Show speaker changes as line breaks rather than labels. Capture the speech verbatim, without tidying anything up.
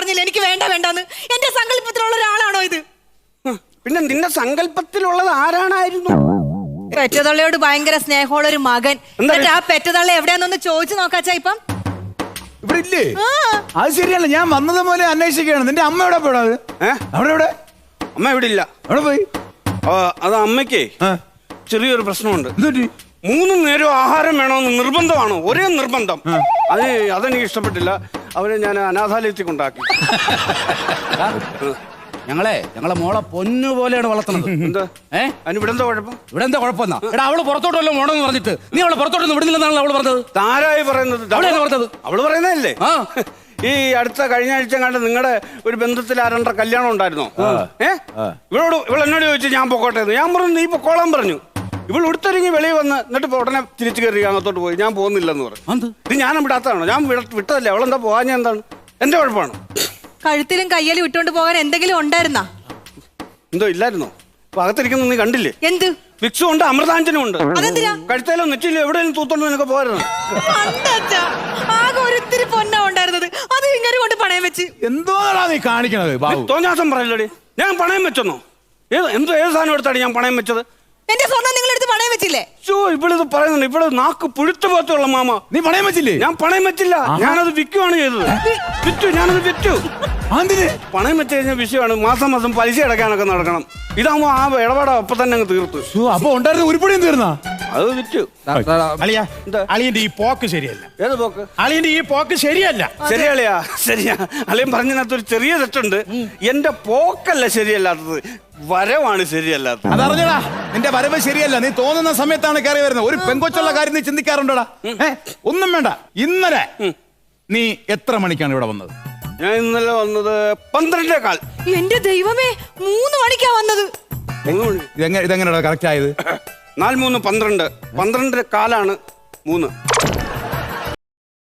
പറഞ്ഞില്ല എനിക്ക് വേണ്ട വേണ്ടെന്ന്. എന്റെ സങ്കല്പത്തിലുള്ള ഒരാളാണോ ഇത്?
പിന്നെ നിന്റെ സങ്കല്പത്തിലുള്ളത് ആരാണായിരുന്നു?
പെറ്റതള്ളയോട് ഭയങ്കര സ്നേഹമുള്ള ഒരു മകൻ. എന്നിട്ട് ആ പെറ്റതള്ള എവിടെയാന്നൊന്ന് ചോദിച്ചു നോക്കാച്ചാ. ഇപ്പം
ഇവിടെ ഇല്ലേ? അത് ശരിയല്ല, ഞാൻ വന്നത് പോലെ അന്വേഷിക്കുകയാണ്. നിന്റെ അമ്മ എവിടെ പോയത്? അവിടെ എവിടെ?
അമ്മ ഇവിടെ ഇല്ല.
അവിടെ പോയി.
അത് അമ്മയ്ക്കേ ചെറിയൊരു പ്രശ്നമുണ്ട്.
എന്തുപറ്റി?
മൂന്ന് നേരം ആഹാരം വേണമെന്ന് നിർബന്ധമാണോ? ഒരേ നിർബന്ധം. അത് അതെനിക്ക് ഇഷ്ടപ്പെട്ടില്ല. അവരെ ഞാൻ അനാഥാലയത്തിൽ കൊണ്ടാക്കി.
ഞങ്ങളെ ഞങ്ങളെ മോളെ പൊന്നു പോലെയാണ് വളർത്തുന്നത്.
എന്താ ഏഹ് അതിന് ഇവിടെ എന്താ കുഴപ്പം? ഇവിടെ എന്താ
കുഴപ്പമെന്നാ? എടാ അവള് പുറത്തോട്ടല്ലോ മോണെന്ന് പറഞ്ഞിട്ട് നീ അവളെ പുറത്തോട്ടൊന്നും വിടുന്നില്ലെന്നാണ് അവള് പറഞ്ഞത്.
താരായി പറയുന്നത്? പറഞ്ഞത് അവള് പറയുന്നതല്ലേ. ആ ഈ അടുത്ത കഴിഞ്ഞ ആഴ്ച കണ്ട് നിങ്ങളുടെ ഒരു ബന്ധത്തിൽ ആരണ്ട കല്യാണം ഉണ്ടായിരുന്നോ? ഏഹ് ഇവളോട് ഇവൾ എന്നോട് ചോദിച്ചു ഞാൻ പൊക്കോട്ടെ. ഞാൻ പറഞ്ഞു നീ പൊക്കോളാൻ പറഞ്ഞു. ഇവൾ ഉടുത്തൊരുങ്ങി വെളിയിൽ വന്ന് എന്നിട്ട് ഉടനെ തിരിച്ചു കയറി അകത്തോട്ട് പോയി. ഞാൻ പോകുന്നില്ലെന്ന് പറഞ്ഞു. ഇത് ഞാൻ വിടാത്തതാണോ? ഞാൻ വിട്ടതല്ലേ. അവളെന്താ പോകാൻ? എന്താണ് എന്റെ കുഴപ്പമാണ്?
കഴുത്തിലും കയ്യിലും ഇട്ടുകൊണ്ട് പോകാൻ എന്തെങ്കിലും ഉണ്ടായിരുന്നാ?
എന്തോ ഇല്ലായിരുന്നോ? അപ്പൊ അകത്തിരിക്കുന്ന നീ കണ്ടില്ലേ?
എന്ത്?
വിക്സും ഉണ്ട്, അമൃതാഞ്ജനും ഉണ്ട്. കഴുത്തേലോ നെറ്റിലോ എവിടെയും തൂത്തോണ്ട് നിനക്ക് പോരുന്നു.
ആകെ ഒരിത്തിരി പൊന്നാ ഉണ്ടായിരുന്നത്. അത് ഇങ്ങനെ കൊണ്ട് പണയം വെച്ച്
എന്തോന്നാ നീ കാണിക്കണത്?
തോന്നാസം പറയല്ലോടി. ഞാൻ പണയം വെച്ചെന്നോ? ഏത് എന്തോ ഏത് സാധനം എടുത്താണ് ഞാൻ പണയം വെച്ചത്?
എന്റെ സ്വർണ്ണം നിങ്ങൾ എടുത്ത് പണയം വെച്ചില്ലേ?
ഇവളിത് പറയുന്നുണ്ട്. ഇവിടെ നാക്ക് പുഴുത്ത പോത്തുള്ള മാമ.
നീ പണയം വെച്ചില്ലേ?
ഞാൻ പണയം വെച്ചില്ല. ഞാനത് വിൽക്കുവാണ് ചെയ്തത്. വിറ്റു. ഞാനത് വിറ്റു. പണയം വെച്ച് കഴിഞ്ഞ വിഷയമാണ്. മാസം മാസം പലിശ അടയ്ക്കാനൊക്കെ നടക്കണം. ഇതാകുമ്പോ ആ ഇടപാട് അപ്പൊ തന്നെ അങ്ങ് തീർത്തു.
അപ്പൊ ഉണ്ടായിരുന്ന ഉരുപ്പടിയും തീർന്നാ?
അത് വിറ്റു.
അളിയന്റെ ഈ പോക്ക് ശരിയല്ല.
ഏത് പോക്ക്?
അളിയന്റെ ഈ പോക്ക് ശരിയല്ല.
ശരിയല്ലയാ? ശരിയാ. അളിയൻ പറഞ്ഞതിനകത്തൊരു ചെറിയ തെറ്റുണ്ട്. എന്റെ പോക്കല്ല ശരിയല്ലാത്തത്, വരവാണ് ശരിയല്ലാത്തത്.
അതറിഞ്ഞടാ, നിന്റെ വരവ് ശരിയല്ല. നീ തോന്നുന്ന സമയത്താണ് കയറി വരുന്നത്. ഒരു പെങ്കൊച്ചുള്ള കാര്യം നീ ചിന്തിക്കാറുണ്ടോടാ? ഒന്നും വേണ്ട. ഇന്നലെ നീ എത്ര മണിക്കാണ് ഇവിടെ വന്നത്?
ഞാൻ ഇന്നലെ വന്നത് പന്ത്രണ്ടേ കാൽ.
എന്റെ ദൈവമേ, മൂന്ന് മണിക്കാ വന്നത്.
ഇതെങ്ങനെയാ കറക്റ്റ് ആയത്?
നാല് മൂന്ന് പന്ത്രണ്ട്. പന്ത്രണ്ടര കാലാണ് മൂന്ന്.